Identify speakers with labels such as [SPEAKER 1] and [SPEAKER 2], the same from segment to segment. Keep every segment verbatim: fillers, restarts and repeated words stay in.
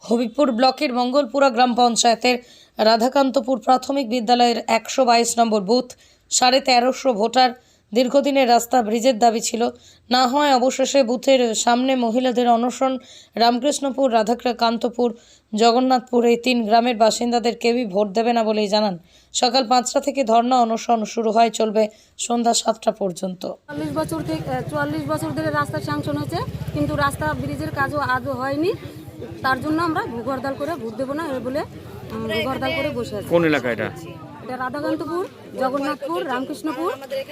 [SPEAKER 1] হবিবপুর ব্লকের মঙ্গলপুরা গ্রাম পঞ্চায়েতের রাধাকান্তপুর প্রাথমিক বিদ্যালয়ের একশো বাইশ নম্বর বুথ সাড়ে তেরোশো ভোটার দীর্ঘদিনের রাস্তা ব্রিজের দাবি ছিল, না হয় অবশেষে বুথের সামনে মহিলাদের অনশন। রামকৃষ্ণপুর, রাধাকান্তপুর, জগন্নাথপুর এই তিন গ্রামের বাসিন্দাদের কেউই ভোট দেবে না বলেই জানান। সকাল পাঁচটা থেকে ধর্ণা অনশন শুরু হয়, চলবে সন্ধ্যা সাতটা পর্যন্ত।
[SPEAKER 2] চল্লিশ বছর থেকে চুয়াল্লিশ বছর ধরে রাস্তা স্যাংশন হয়েছে, কিন্তু রাস্তা ব্রিজের কাজও আদৌ হয়নি। তার জন্য আমরা ভূখ হরতাল করে ভোট দেবো না এ বলে ভূখ হরতাল করে বসে আছি।
[SPEAKER 3] কোন এলাকা এটা?
[SPEAKER 2] এটা রাধাকান্তপুর, জগন্নাথপুর, রামকৃষ্ণপুর।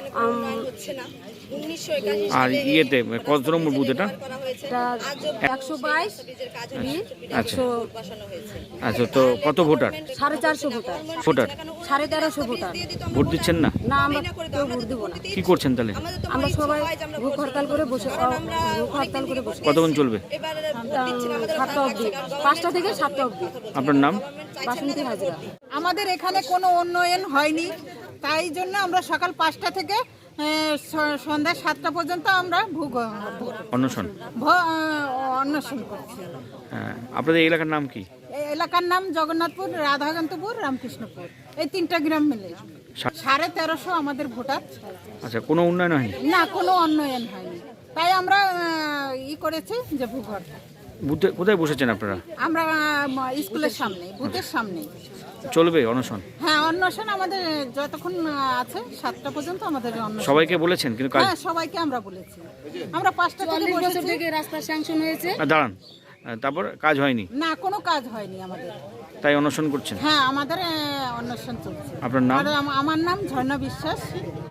[SPEAKER 3] আর ইয়েতে কত নম্বর বুথ এটা?
[SPEAKER 2] একশো বাইশ।
[SPEAKER 3] আচ্ছা আচ্ছা, তো কত ভোটার?
[SPEAKER 2] সাড়ে চারশো ভোটার
[SPEAKER 3] ভোটার
[SPEAKER 2] সাড়ে তেরোশো ভোটার।
[SPEAKER 3] ভোট দিচ্ছেন না?
[SPEAKER 2] না, আমরা কেউ ভোট দেবো না।
[SPEAKER 3] কি করছেন তাহলে?
[SPEAKER 2] আমরা সবাই ভূখ হরতাল করে বসে ভূখ হরতাল করে বসে
[SPEAKER 3] কতক্ষণ চলবে?
[SPEAKER 2] সাতটা অবধি, পাঁচটা থেকে সাতটা অবধি।
[SPEAKER 3] আপনার নাম?
[SPEAKER 2] বাসন্তী হাজরা।
[SPEAKER 4] আমাদের এখানে কোনো উন্নয়ন হয়নি, তাই জন্য আমরা সকাল পাঁচটা থেকে আহ, স- সন্ধ্যা সাতটা পর্যন্ত আমরা ভূগ
[SPEAKER 3] অন্বেষণ।
[SPEAKER 4] ভ- অন্বেষণ করছি।
[SPEAKER 3] হ্যাঁ, আপনাদের এই এলাকার নাম কি?
[SPEAKER 4] এই এলাকার নাম জগন্নাথপুর, রাধাকান্তপুর, রামকৃষ্ণপুর, এই তিনটা গ্রাম মিলে
[SPEAKER 3] সা-
[SPEAKER 4] সাড়ে তেরোশো আমাদের ভোটার।
[SPEAKER 3] আচ্ছা, কোনো উন্নয়ন হয়নি?
[SPEAKER 4] না, কোনো উন্নয়ন হয়নি, তাই আমরা আহ, ই করেছি যে ভূগ হরতাল।
[SPEAKER 3] বুথে কোথায় বসেছেন আপনারা?
[SPEAKER 4] আমরা আহ, স্কুলের সামনে, বুথের সামনে।
[SPEAKER 3] চলবে অনশন?
[SPEAKER 4] হ্যাঁ, অন্বেষণ আমাদের যতক্ষণ আহ, আছে সাতটা পর্যন্ত আমাদের অন্বেষণ।
[SPEAKER 3] সবাইকে বলেছেন কিন্তু কাজ?
[SPEAKER 4] হ্যাঁ, সবাইকে আমরা বলেছি। আমরা পাঁচটা থেকে
[SPEAKER 2] চল্লিশ বছর
[SPEAKER 4] বসেছি।
[SPEAKER 2] থেকে রাস্তা স্যাংশন হয়েছে,
[SPEAKER 3] না, দাঁড়ান। আহ, তারপর কাজ হয়নি,
[SPEAKER 4] না, কোনো কাজ হয়নি আমাদের।
[SPEAKER 3] তাই অনশন করছেন?
[SPEAKER 4] হ্যাঁ, আমাদের আহ, অন্বেষণ চলছে।
[SPEAKER 3] আপনার নাম?
[SPEAKER 4] আর আম- আমার নাম ঝর্ণা বিশ্বাস।